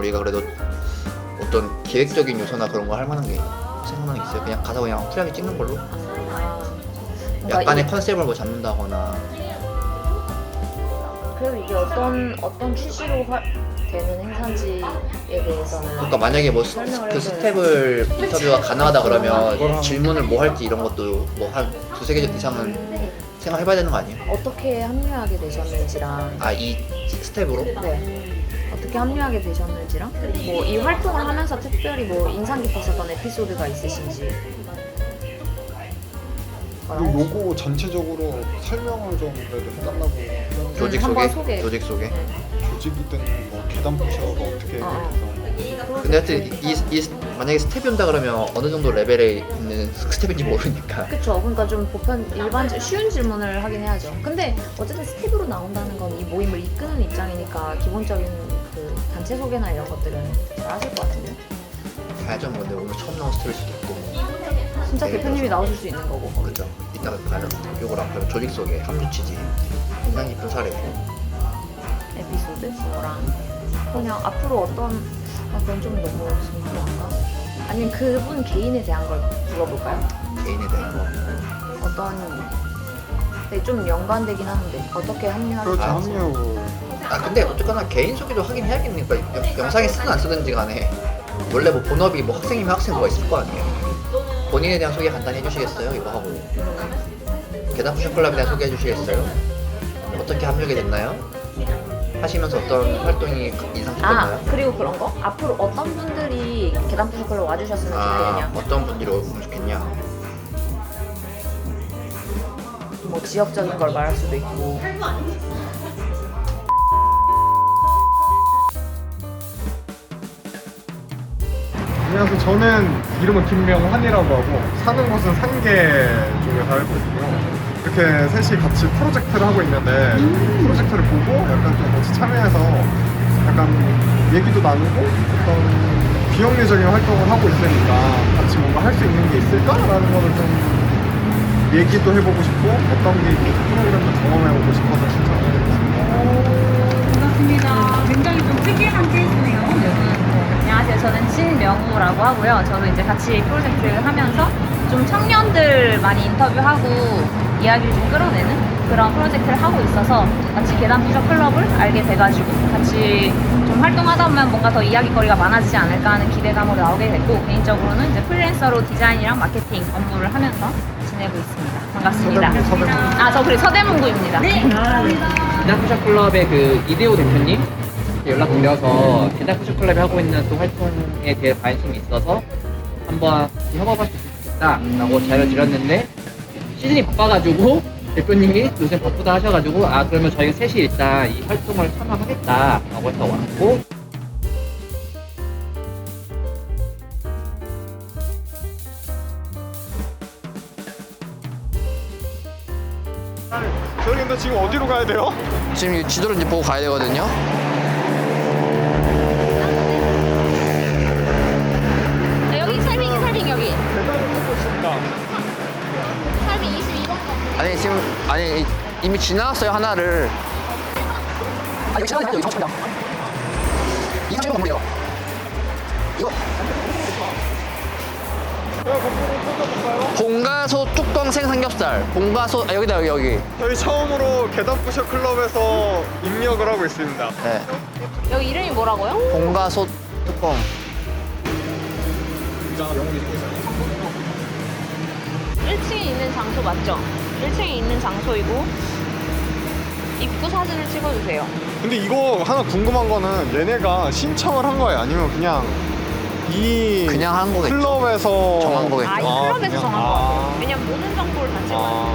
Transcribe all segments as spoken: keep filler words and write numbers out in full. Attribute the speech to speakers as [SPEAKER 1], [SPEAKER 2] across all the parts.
[SPEAKER 1] 우리가 그래도 어떤 기획적인 요소나 그런 거 할 만한 게 생각나는 게 있어요? 그냥 가서 그냥 확실하게 찍는 걸로?
[SPEAKER 2] 그러니까
[SPEAKER 1] 약간의
[SPEAKER 2] 이-
[SPEAKER 1] 컨셉을 뭐 잡는다거나.
[SPEAKER 2] 그리고 이게 어떤 어떤 취지로 화, 되는 행사인지에 대해서는
[SPEAKER 1] 그러니까 만약에 뭐 스,
[SPEAKER 2] 설명을
[SPEAKER 1] 그
[SPEAKER 2] 해줘야
[SPEAKER 1] 스텝을 인터뷰가 가능하다 그러면
[SPEAKER 3] 그거랑-
[SPEAKER 1] 질문을 뭐 할지 이런 것도 뭐 한 두세 개 이상은 생각해봐야 되는 거 아니에요?
[SPEAKER 2] 어떻게 합류하게 되셨는지랑
[SPEAKER 1] 아, 이 스텝으로?
[SPEAKER 2] 네. 어떻게 합류하게 되셨는지랑 뭐 이 활동을 하면서 특별히 뭐 인상 깊었었던 에피소드가 있으신지
[SPEAKER 3] 그리고 요거 전체적으로 설명을 좀 그래도 해달라고.
[SPEAKER 1] 조직
[SPEAKER 2] 음, 한번
[SPEAKER 1] 소개?
[SPEAKER 2] 소개.
[SPEAKER 1] 조직 소개?
[SPEAKER 3] 조직이든 뭐 계단 부셔가 어떻게
[SPEAKER 2] 어, 어.
[SPEAKER 3] 해서
[SPEAKER 1] 근데 하여튼 이, 이, 이 만약에 스텝이 온다 그러면 어느 정도 레벨에 있는 스텝인지 모르니까.
[SPEAKER 2] 그쵸. 그러니까 좀 보편 일반 쉬운 질문을 하긴 해야죠. 근데 어쨌든 스텝으로 나온다는 건 이 모임을 이끄는 입장이니까 기본적인 그 단체 소개나 이런 것들은 잘 하실 것 같은데.
[SPEAKER 1] 봐야죠. 뭐 근데 오늘 처음 나온 스텝일 수도 있고.
[SPEAKER 2] 진짜
[SPEAKER 1] 네,
[SPEAKER 2] 대표님이
[SPEAKER 1] 그렇죠.
[SPEAKER 2] 나오실 수 있는 거고. 거기.
[SPEAKER 1] 그죠. 이따가 봐요. 요거랑 그리고 조직 소개, 합류 취지, 인상 깊은 사례.
[SPEAKER 2] 에피소드 그거랑 그냥 앞으로 어떤 아 그건 좀 너무 sim플한가? 아니면 그분 개인에 대한 걸 물어볼까요?
[SPEAKER 1] 개인에 대한 거.
[SPEAKER 2] 어떤 네, 좀 연관되긴 하는데 어떻게 합류하게
[SPEAKER 3] 그렇죠.
[SPEAKER 1] 아,
[SPEAKER 3] 합류.
[SPEAKER 1] 아 근데 어쨌거나 개인 소개도 하긴 해야겠니까 영- 영상에 쓰든 안 쓰든지 간에 원래 뭐 본업이 뭐 학생이면 학생 뭐가 있을 거 아니에요. 본인에 대한 소개 간단히 해주시겠어요? 이거 하고 계단 푸셔 클럽에 대한 소개해 주시겠어요? 어떻게 합류하게 됐나요? 하시면서 어떤 활동이 인상
[SPEAKER 2] 아
[SPEAKER 1] 깊었나요?
[SPEAKER 2] 그리고 그런 거? 앞으로 어떤 분들이 계단 푸셔클로 와주셨으면
[SPEAKER 1] 아,
[SPEAKER 2] 좋겠냐
[SPEAKER 1] 어떤 분들이 오면 좋겠냐?
[SPEAKER 2] 뭐 지역적인 걸 말할 수도 있고
[SPEAKER 3] 안녕하세요. 저는 이름은 김명환이라고 하고 사는 곳은 상계 쪽에 살고 있고요. 이렇게 셋이 같이 프로젝트를 하고 있는데 프로젝트를 보고 약간 좀 같이 참여해서 약간 얘기도 나누고 어떤 비영리적인 활동을 하고 있으니까 같이 뭔가 할 수 있는 게 있을까라는 거를 좀 얘기도 해보고 싶고 어떤 게 있는지 프로그램도 경험해보고 싶어서 신청을 했습니다.
[SPEAKER 4] 반갑습니다. 굉장히 좀 특이한 케이스네요. 여기.
[SPEAKER 2] 안녕하세요. 저는 신명우라고 하고요. 저도 이제 같이 프로젝트를 하면서 좀 청년들 많이 인터뷰하고 이야기를 좀 끌어내는 그런 프로젝트를 하고 있어서 같이 계단 푸셔 클럽을 알게 돼가지고 같이 좀 활동하다 보면 뭔가 더 이야기거리가 많아지지 않을까 하는 기대감으로 나오게 됐고 개인적으로는 이제 프리랜서로 디자인이랑 마케팅 업무를 하면서 지내고 있습니다. 반갑습니다.
[SPEAKER 3] 서대문, 서대문.
[SPEAKER 2] 아, 저 그래 서대문구입니다.
[SPEAKER 4] 네, 반갑습니다.
[SPEAKER 5] 계단푸셔 클럽의 그 이대호 대표님 연락드려서 계단푸셔 클럽이 하고 있는 또 활동에 대해 관심이 있어서 한번 협업할 수 있겠다라고 자료를 드렸는데 시즌이 바빠가지고 대표님이 요새 바쁘다 하셔가지고 아 그러면 저희가 셋이 일단 이 활동을 참여하겠다라고 해서 왔고
[SPEAKER 3] 저희 근데 지금 어디로 가야 돼요?
[SPEAKER 1] 지금 이 지도를 이제 보고 가야 되거든요.
[SPEAKER 2] 여기 설빙이 설빙 여기.
[SPEAKER 3] 계단을 걷고 있습니다.
[SPEAKER 2] 설빙 이십이 번.
[SPEAKER 1] 아니 지금 아니 이- 이미 지나갔어요 하나를. 아 여기 지나가면 여기 정청이다. 이거 지금 건물이요. 이거
[SPEAKER 3] 제가 거꾸로 찾아볼까요?
[SPEAKER 1] 봉가소 뚜껑생 삼겹살. 봉가소 아 여기다 여기 여기.
[SPEAKER 3] 저희 처음으로 계단 푸셔 클럽에서 입력을 하고 있습니다.
[SPEAKER 1] 네.
[SPEAKER 2] 여기 이름이 뭐라고요?
[SPEAKER 1] 봉가소 뚜껑.
[SPEAKER 2] 일 층에 있는 장소 맞죠? 일 층에 있는 장소이고 입구 사진을 찍어주세요.
[SPEAKER 3] 근데 이거 하나 궁금한 거는 얘네가 신청을 한 거예요? 아니면 그냥 이
[SPEAKER 1] 그냥 한 거겠죠.
[SPEAKER 3] 클럽에서
[SPEAKER 1] 정한 거겠죠.
[SPEAKER 2] 아, 이
[SPEAKER 3] 아,
[SPEAKER 2] 클럽에서
[SPEAKER 3] 그냥?
[SPEAKER 2] 정한
[SPEAKER 3] 아.
[SPEAKER 2] 거 같아요. 왜냐면 모든 정보를 다 찍어야 돼요.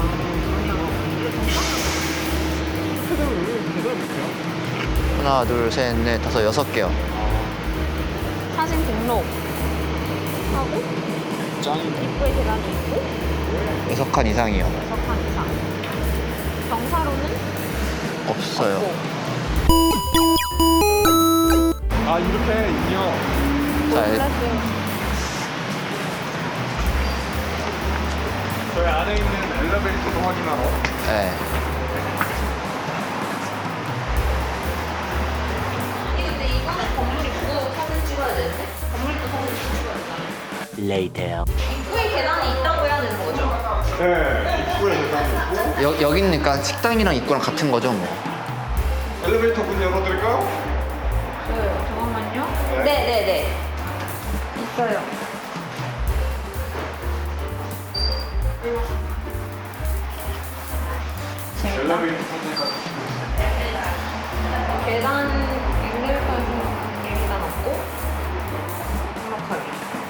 [SPEAKER 1] 하나 둘 셋 넷 다섯 여섯 개요.
[SPEAKER 2] 사진 등록 하고
[SPEAKER 3] 짱이네.
[SPEAKER 2] 입구에 계단이 있고
[SPEAKER 1] 여섯 칸 이상이요.
[SPEAKER 2] 여섯 칸 이상. 경사로는
[SPEAKER 1] 없어요.
[SPEAKER 2] 없고.
[SPEAKER 3] 아 이렇게 입력.
[SPEAKER 1] 자,
[SPEAKER 2] 플러스
[SPEAKER 3] 저희 안에 있는 엘리베이터도 확인하러.
[SPEAKER 1] 네.
[SPEAKER 2] 근데 이거는 건물이고
[SPEAKER 6] later.
[SPEAKER 2] 입구에 계단이 있다고 해야 되는 거죠?
[SPEAKER 3] 네, 입구에 계단이 있고.
[SPEAKER 1] 여, 여기니까 식당이랑 입구랑 같은 거죠 뭐.
[SPEAKER 3] 엘리베이터 문 열어드릴까요?
[SPEAKER 2] 네, 잠깐만요.
[SPEAKER 3] 네.
[SPEAKER 2] 네네네. 있어요. 재밌다.
[SPEAKER 3] 엘리베이터 타니까.
[SPEAKER 2] 계단 엘리베이터에서 계단 없고 정확하게.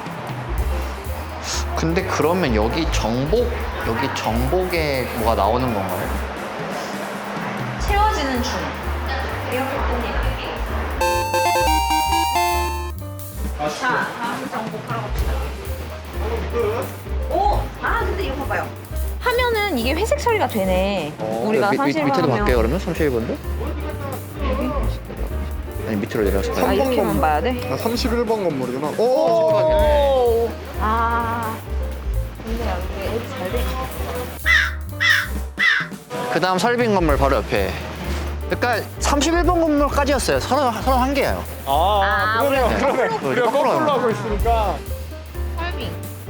[SPEAKER 1] 근데 그러면 여기 정복 여기 정복에 뭐가 나오는 건가요?
[SPEAKER 2] 채워지는 중. 이렇게 뜹니다. 자, 다음 정복하러 갑시다. 오! 아, 근데 이거 봐봐요. 하면은 이게 회색 처리가 되네. 우리가
[SPEAKER 1] 미,
[SPEAKER 2] 사실
[SPEAKER 1] 밑에도
[SPEAKER 2] 하면
[SPEAKER 1] 갈게요 그러면 삼십일 번도? 아니 밑으로 내려가서
[SPEAKER 2] 아,
[SPEAKER 1] 봐요.
[SPEAKER 2] 이렇게만 봐야 돼?
[SPEAKER 3] 아, 삼십일 번 건물이구나. 오!
[SPEAKER 2] 오! 아. 근데 여기 애기 잘 돼.
[SPEAKER 1] 그 다음 설빈 건물 바로 옆에. 그러니까 삼십일 번 건물까지였어요. 서른한 개예요.
[SPEAKER 3] 아,
[SPEAKER 2] 아,
[SPEAKER 3] 그러네요.
[SPEAKER 2] 우리가
[SPEAKER 3] 그러네.
[SPEAKER 1] 거꾸로
[SPEAKER 3] 우리가 거꾸로
[SPEAKER 1] 하면.
[SPEAKER 3] 하고 있으니까.
[SPEAKER 2] 설빙.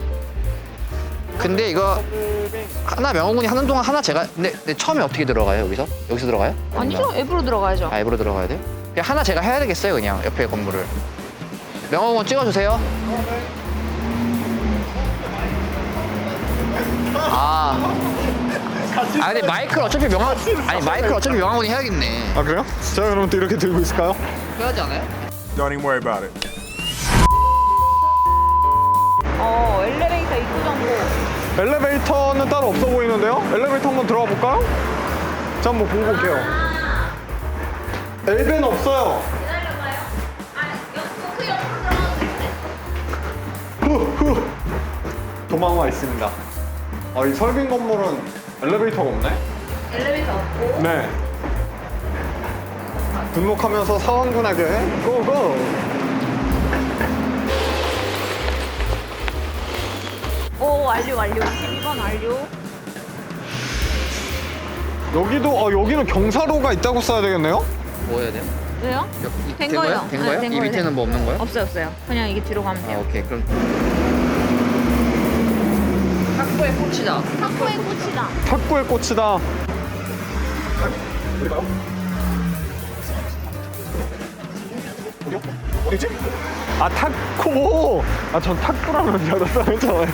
[SPEAKER 1] 근데 이거 하나 명호군이 하는 동안 하나 제가 근데, 근데 처음에 어떻게 들어가요 여기서? 여기서 들어가요?
[SPEAKER 2] 아니죠? 앱으로 들어가야죠.
[SPEAKER 1] 아 앱으로 들어가야 돼요? 그냥 하나 제가 해야 되겠어요 그냥 옆에 건물을. 명호군 찍어주세요. 아. 아 근데 마이크를 어차피 명화 아니 마이크를 어차피 명화군이 해야겠네.
[SPEAKER 3] 아, 그래요? 제가 그럼 또 이렇게 들고 있을까요?
[SPEAKER 1] 해야지 않아요?
[SPEAKER 3] Don't even worry about it.
[SPEAKER 2] 어, 엘리베이터 입구 정보.
[SPEAKER 3] 엘리베이터는 따로 없어 보이는데요? 엘리베이터 한번 들어가 볼까요? 자, 한번 보고 볼게요. 엘베는 없어요.
[SPEAKER 2] 기다려봐요. 아, 옆, 그 옆으로 들어가도 되는데?
[SPEAKER 3] 후, 후. 도망와 있습니다. 아, 이 설빈 건물은 엘리베이터가 없네?
[SPEAKER 2] 엘리베이터 없고.
[SPEAKER 3] 네. 등록하면서 사원군에게 고고!
[SPEAKER 2] 오, 완료, 완료. 이십이 번 완료.
[SPEAKER 3] 여기도, 아, 여기는 경사로가 있다고 써야 되겠네요?
[SPEAKER 1] 뭐 해야 돼요?
[SPEAKER 2] 왜요?
[SPEAKER 1] 이-
[SPEAKER 2] 된
[SPEAKER 1] 된
[SPEAKER 2] 거예요.
[SPEAKER 1] 거예요? 된
[SPEAKER 2] 네,
[SPEAKER 1] 거예요?
[SPEAKER 2] 된
[SPEAKER 1] 이
[SPEAKER 2] 거예요.
[SPEAKER 1] 밑에는 뭐 없는 거예요?
[SPEAKER 2] 없어요, 없어요. 그냥 이게 뒤로 가면
[SPEAKER 1] 아
[SPEAKER 2] 돼요.
[SPEAKER 1] 오케이 그럼 탁구의 꽃이다.
[SPEAKER 2] 탁구의 꽃이다.
[SPEAKER 3] 탁구의 꽃이다. 어디요? 어디지? 아, 탁구! 아, 전 탁구라면 여덟 했잖아요.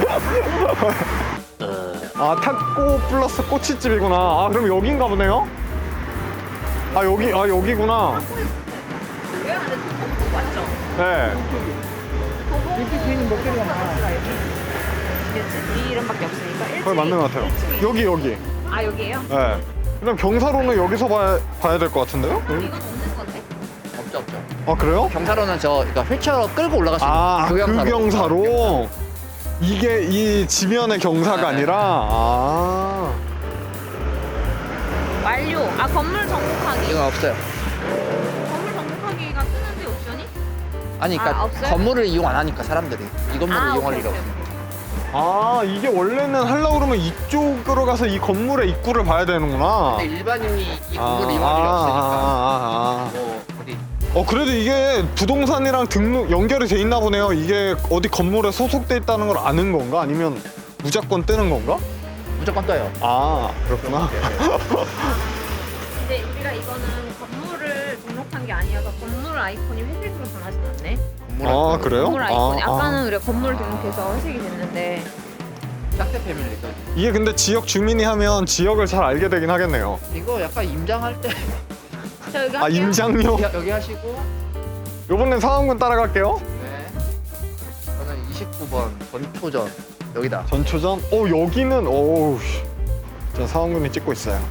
[SPEAKER 3] 아, 탁구 플러스 꼬치집이구나. 아, 그럼 여긴가 보네요? 아, 여기, 아, 여기구나.
[SPEAKER 2] 왜 안에 도복 맞죠?
[SPEAKER 3] 네.
[SPEAKER 2] 이렇게 뒤에는 몇 개가 많아. 이 이름밖에 없으니까. 일 층이,
[SPEAKER 3] 그거 맞는 것 같아요.
[SPEAKER 2] 일 층이.
[SPEAKER 3] 여기, 여기.
[SPEAKER 2] 아, 여기에요?
[SPEAKER 3] 네. 그럼 경사로는 여기서 봐야, 봐야 될 것 같은데요?
[SPEAKER 2] 이건 없는 건데?
[SPEAKER 1] 없죠 없죠.
[SPEAKER 3] 아, 그래요?
[SPEAKER 1] 경사로는 저 그러니까 휠체어로 끌고 올라갈 수 있는
[SPEAKER 3] 아, 그
[SPEAKER 1] 경사로.
[SPEAKER 3] 경사로? 이게 이 지면의 경사가
[SPEAKER 1] 네.
[SPEAKER 3] 아니라? 아.
[SPEAKER 2] 완료. 아, 건물 정복하기.
[SPEAKER 1] 이건 없어요.
[SPEAKER 2] 건물 정복하기가 뜨는데 옵션이?
[SPEAKER 1] 아니 그러니까
[SPEAKER 2] 아, 없어요?
[SPEAKER 1] 건물을 이용 안 하니까 사람들이 이 건물을
[SPEAKER 2] 아,
[SPEAKER 1] 이용할
[SPEAKER 2] 오케이,
[SPEAKER 1] 일이
[SPEAKER 2] 오케이,
[SPEAKER 1] 없어.
[SPEAKER 3] 아, 이게 원래는 하려고 그러면 이쪽으로 가서 이 건물의 입구를 봐야 되는구나.
[SPEAKER 1] 근데 일반인이 이
[SPEAKER 3] 아,
[SPEAKER 1] 건물을 이용할 일이
[SPEAKER 3] 아,
[SPEAKER 1] 없으니까
[SPEAKER 3] 아, 아,
[SPEAKER 1] 뭐 어디
[SPEAKER 3] 아. 어, 그래도 이게 부동산이랑 등록 연결이 돼 있나 보네요. 이게 어디 건물에 소속돼 있다는 걸 아는 건가? 아니면 무조건 뜨는 건가?
[SPEAKER 1] 무조건 떠요.
[SPEAKER 3] 아, 그렇구나.
[SPEAKER 2] 근데 우리가 이거는 건물을 등록한 게 아니어서 건물 아이콘이 회색으로 변하진 않네.
[SPEAKER 1] 건물
[SPEAKER 3] 아,
[SPEAKER 1] 앞에
[SPEAKER 3] 그래요?
[SPEAKER 2] 건물 아이콘이
[SPEAKER 3] 아,
[SPEAKER 2] 아까는
[SPEAKER 3] 아.
[SPEAKER 2] 우리가 건물 등록해서 회색이 됐는데
[SPEAKER 1] 짝대 패밀리가
[SPEAKER 3] 이게 근데 지역 주민이 하면 지역을 잘 알게 되긴 하겠네요.
[SPEAKER 1] 이거 약간 임장할 때
[SPEAKER 2] 자, 여기
[SPEAKER 3] 아,
[SPEAKER 2] 할게요.
[SPEAKER 3] 임장료?
[SPEAKER 1] 여기, 여기 하시고
[SPEAKER 3] 요번엔 상황군 따라갈게요.
[SPEAKER 1] 네 저는 이십구 번 전초전 여기다.
[SPEAKER 3] 전초전? 어, 여기는, 어우, 씨. 저 상황군이 찍고 있어요.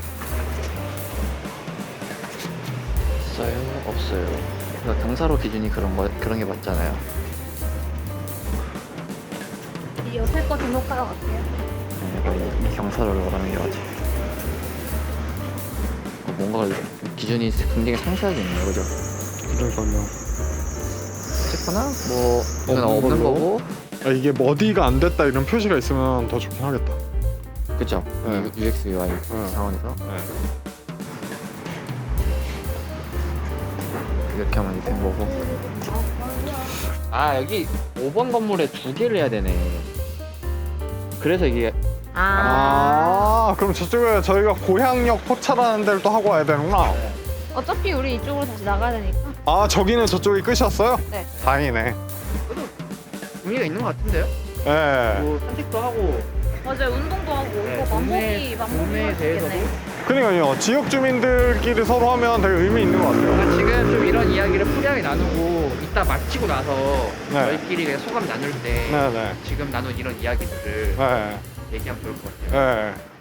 [SPEAKER 1] 있어요? 없어요. 그러니까 경사로 기준이 그런 거 그런 게 맞잖아요.
[SPEAKER 2] 이 옆에 거 등록하러 갈게요.
[SPEAKER 1] 네, 이 경사를 말하는 게 맞지. 어, 뭔가 기준이 굉장히 상세하게 있네요, 그죠?
[SPEAKER 3] 그러니까요.
[SPEAKER 1] 어쨌거나 뭐 이건
[SPEAKER 3] 없는
[SPEAKER 1] 없는
[SPEAKER 3] 걸로?
[SPEAKER 1] 거고,
[SPEAKER 3] 아, 이게 뭐 어디가 안 됐다 이런 표시가 있으면 더 좋긴 하겠다.
[SPEAKER 1] 그죠?
[SPEAKER 3] 네.
[SPEAKER 1] 유엑스 유아이
[SPEAKER 3] 네.
[SPEAKER 1] 상황에서
[SPEAKER 3] 네.
[SPEAKER 1] 이렇게 하면 된 거고.
[SPEAKER 5] 아 여기 오 번 건물에 두 개를 해야 되네. 그래서 이게
[SPEAKER 2] 아.
[SPEAKER 3] 아, 그럼 저쪽에 저희가 고향역 포차라는 데를 또 하고 와야 되는구나.
[SPEAKER 2] 어차피 우리 이쪽으로 다시 나가야 되니까.
[SPEAKER 3] 아, 저기는 저쪽이 끝이었어요?
[SPEAKER 2] 네.
[SPEAKER 3] 다행이네.
[SPEAKER 1] 의미가 있는 것 같은데요?
[SPEAKER 3] 예.
[SPEAKER 5] 뭐 산책도 하고
[SPEAKER 2] 맞아요. 운동도 하고
[SPEAKER 5] 네,
[SPEAKER 2] 이거 맘먹이
[SPEAKER 5] 동네-
[SPEAKER 2] 맘먹이
[SPEAKER 5] 동네에
[SPEAKER 2] 할수 있겠네.
[SPEAKER 5] 대해서도
[SPEAKER 3] 그러니까요. 지역 주민들끼리 서로 하면 되게 의미 있는 것 같아요.
[SPEAKER 5] 그러니까 지금 좀 이런 이야기를 풀이하게 나누고 이따 마치고 나서
[SPEAKER 3] 네.
[SPEAKER 5] 저희끼리 그냥 소감 나눌 때
[SPEAKER 3] 네네.
[SPEAKER 5] 지금 나눈 이런 이야기들을
[SPEAKER 3] 네.
[SPEAKER 5] 얘기하면 좋을 것 같아요.
[SPEAKER 3] 네.